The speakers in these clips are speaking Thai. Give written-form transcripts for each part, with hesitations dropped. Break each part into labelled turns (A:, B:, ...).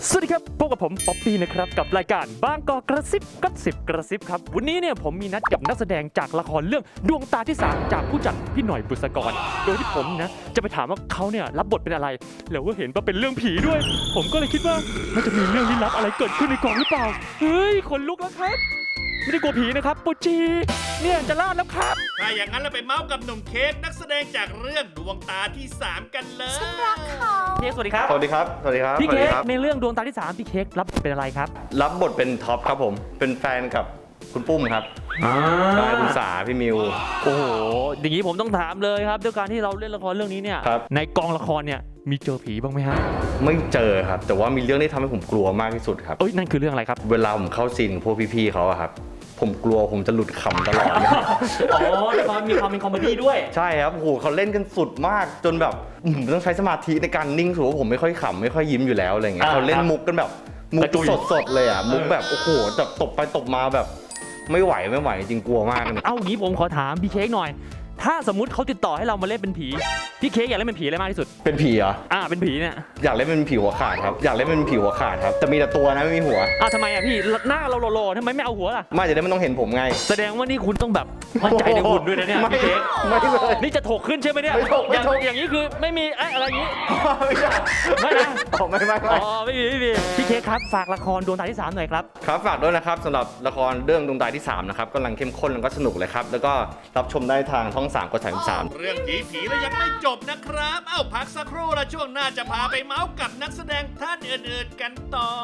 A: สวัสดีครับพบกับผมป๊อปปี้นะครับกับรายการบางกอกกระซิบกระซิบครับวันนี้เนี่ยผมมีนัดกับนักแสดงจากละครเรื่องดวงตาที่3จากผู้จัดพี่หน่อยบุษกรโดยที่ผมนะจะไปถามว่าเขาเนี่ยรับบทเป็นอะไรแล้วก็เห็นว่าเป็นเรื่องผีด้วยผมก็เลยคิดว่ามันจะมีเรื่องลี้ลับอะไรเกิดขึ้นในกองหรือเปล่าเฮ้ยขนลุกแล้วครับไม่ได้กลัวผีนะครับปูจีเนี่ยจะรอดแล้วครับ
B: ถ้าอย่างนั้นเราไปเมาส์กับหนุ่มเค้กนักแสดงจากเรื่องดวงตาที่3กันเลย
C: ฉันรักเขา
A: พี่เค้กสวัสดีครับ
D: สวัสดีครับ สวัสดีครับ
A: พี่เค้กในเรื่องดวงตาที่3พี่เค้กรับบทเป็นอะไรครับ
D: รับบทเป็นท็อปครับผม เป็นแฟนกับคุณปุ้มครับใช่คุณสาพี่มิว
A: โอ้โหอย่างนี้ผมต้องถามเลยครับด้วยการที่เราเล่นละครเรื่องนี้เนี่ย
D: ครับ
A: ในกองละครเนี่ยมีเจอผีบ้างไหมฮะ
D: ไม่เจอครับ แต่ว่ามีเรื่องที่ทำให้ผมกลัวมากที่สุดครับ
A: เอ้ยนั่นคือเรื่องอะไรครับ
D: เวลาผมเข้าซีนกับพวกพี่ๆเขาอะครับ ผมกลัวผมจะหลุดขำตลอดเลย
A: อ๋อละครมีความเป็นคอมเมดี้ด้วย
D: ใช่ครับโอ้โหเขาเล่นกันสุดมากจนแบบผมต้องใช้สมาธิในการนิ่งสูว่าผมไม่ค่อยขำไม่ค่อยยิ้มอยู่แล้วอะไรเงี้ย
A: อ่า
D: เขาเล่นมุกกันแบบมุ
A: ก
D: ก
A: ระจุย
D: สดๆเลยอะมุกแบบโอ้โหจะตบไปตบมาแบบไม่ไหวจริงกลัวมากเลย
A: เอางี้ผมขอถามพี่เค้กหน่อย ถ้าสมมติเขาติดต่อให้เรามาเล่นเป็นผีพี่เค้กอยากเล่นเป็นผีอะไรมากที่สุด
D: เป็นผีเหรอ
A: เป็นผีเนี่ย
D: อยากเล่นเป็นผีหัวขาดครับอยากเล่นเป็นผีหัวขาดครับแต่มีแต่ตัวนะไม่มีหัว
A: ทำไมพี่หน้าเราโลๆทำไมไม่เอาหัวล่ะ
D: ไม่จะได้ไม่ต้องเห็นผมไง
A: แสดงว่านี่คุณต้องแบบมั่นใจในหุ่นด้วยนะเนี่ย
D: ไม่
A: พี่เค้ก
D: ไม่เลย
A: นี่จะถกขึ้นใช่ไหมเนี่ย
D: ไม่ถกไม่ถก
A: อย่างนี้คือไม่มีอะไรอย่างนี้
D: ไม่ใช่
A: ไม่นะ
D: อ๋อไม่
A: ไม่มีพี่เค้กครับฝากละครดวงตาที่3หน่อยครับ
D: ครับฝากด้วยนะครับสำหรับละครเรื่องดวงตาที่3นะครับกำลังเข้มข้นแล้วก็สนุกเลยครับแล้วก็รับชมได้ทางช่อง3กด33
B: เรื่องผีแล้วยังไม่จบนะครับ เอ้าพักสักครู่และช่วงหน้าจะพาไปเมาส์กับนักแสดงท่านอื่นๆกันต่อ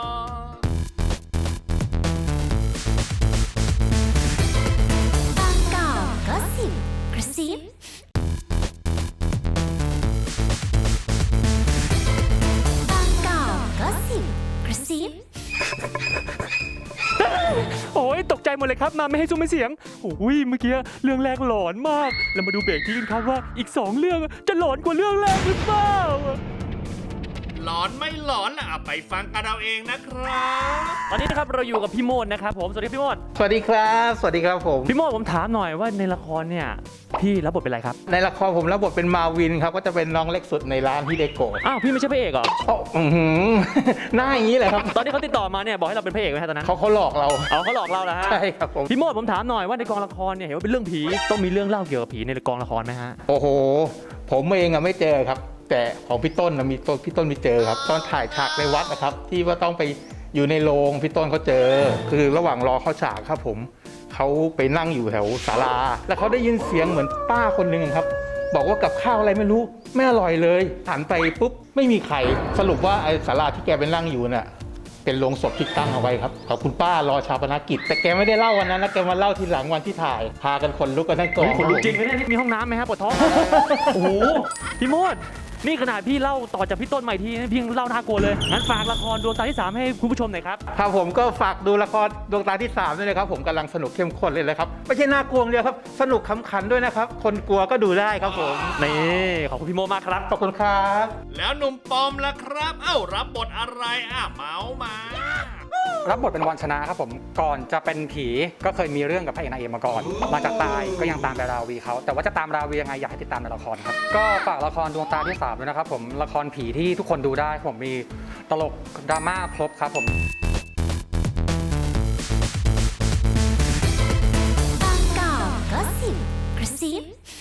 C: บางกอกก็สิบกระซิบางกอกก็สิบกระซิบ
A: โอ้ยตกใจหมดเลยครับมาไม่ให้ซุ้มไม่เสียงโอ้ยเมื่อกี้เรื่องแรกหลอนมากแล้วมาดูเบรกที่กันครับว่าอีก2เรื่องจะหลอนกว่าเรื่องแรกหรือเปล่า
B: หลอนไม่หลอนล่ะเอาไปฟังกันเอาเองนะครับ
A: ตอนนี้นะครับเราอยู่กับพี่โมดนะครับผมสวัสดีพี่โมด
E: สวัสดีครับสวัสดีครับผม
A: พี่โมดผมถามหน่อยว่าในละครเนี่ยพี่รับบทเป็นอะไรครับ
E: ในละครผมรับบทเป็นมาวินครับก็จะเป็นน้องเล็กสุดในร้านฮิเดโกะ
A: อ้าวพี่ไม่ใช่พระเอกเหรอ
E: โอ้อื้อหือ หน้าอย่างนี้เลยครับ
A: ตอนที่เขาติดต่อมาเนี่ยบอกให้เราเป็นพระเอกไหมฮะตอนนั้น
E: เขาหลอกเรา
A: เอาเขาหลอกเราแล้วฮะ
E: ใช่ครับผม
A: พี่โมดผมถามหน่อยว่าในกองละครเนี่ยเห็นว่าเป็นเรื่องผีต้องมีเรื่องเล่าเกี่ยวกับผีในกองละครไหมฮะ
E: โอ้โห ผมเองอะไม่เจอครับ แต่ของพี่ต้นนะมีต้นพี่ต้นไปเจอครับตอนถ่ายฉากในวัดนะครับ ที่ว่าต้องไปอยู่ในโรงพี่ต้นเขาเจอ คือระหว่างรอเข้าฉากครับผมเขาไปนั่งอยู่แถวศาลา แล้วเขาได้ยินเสียงเหมือนป้าคนหนึ่งครับ บอกว่ากับข้าวอะไรไม่รู้ไม่อร่อยเลยหันไปปุ๊บไม่มีใครสรุปว่าไอ้ศาลาที่แกไปนั่งอยู่น่ะเป็นโรงศพที่ตั้งเอาไว้ครับขอบคุณป้ารอชาปนกิจ แต่แกไม่ได้เล่าวันนั้นนะแกมาเล่าทีหลังวันที่ถ่าย พากันขนลุกกันทั้งกอง
A: ขนลุกจริงไหมเนี่ยมีห้องน้ำไหมฮะปวดท้อง โอ้โหพี่โมดนี่ขนาดพี่เล่าต่อจากพี่ต้นใหม่ทีนะพี่ยังเล่าน่ากลัวเลยงั้นฝากละครดวงตาที่3ให้คุณผู้ชมหน่อยครับ
E: ครับผมก็ฝากดูละครดวงตาที่3ด้วยนะครับผมกำลังสนุกเข้มข้นเลยครับไม่ใช่น่ากลัวอย่างเดียวครับสนุกขำขันด้วยนะครับคนกลัวก็ดูได้ครับผม
A: นี่ขอบคุณพี่โมมากครับ
E: ขอบคุณครับ
B: แล้วหนุ่มปอมล่ะครับ เอ้ารับบทอะไรเมาส์มา
F: รับบทเป็นวันชนะครับผมก่อนจะเป็นผีก็เคยมีเรื่องกับพระเอกนางเอกมาก่อนมาจากตายก็ยังตามไปราวีเขาแต่ว่าจะตามราวียังไงอยากให้ติดตามในละครครับก็ฝากละครดวงตาที่3ด้วยนะครับผมละครผีที่ทุกคนดูได้ผมมีตลกดราม่าครบครับผม
C: บางกอกก็สิบกระซิบ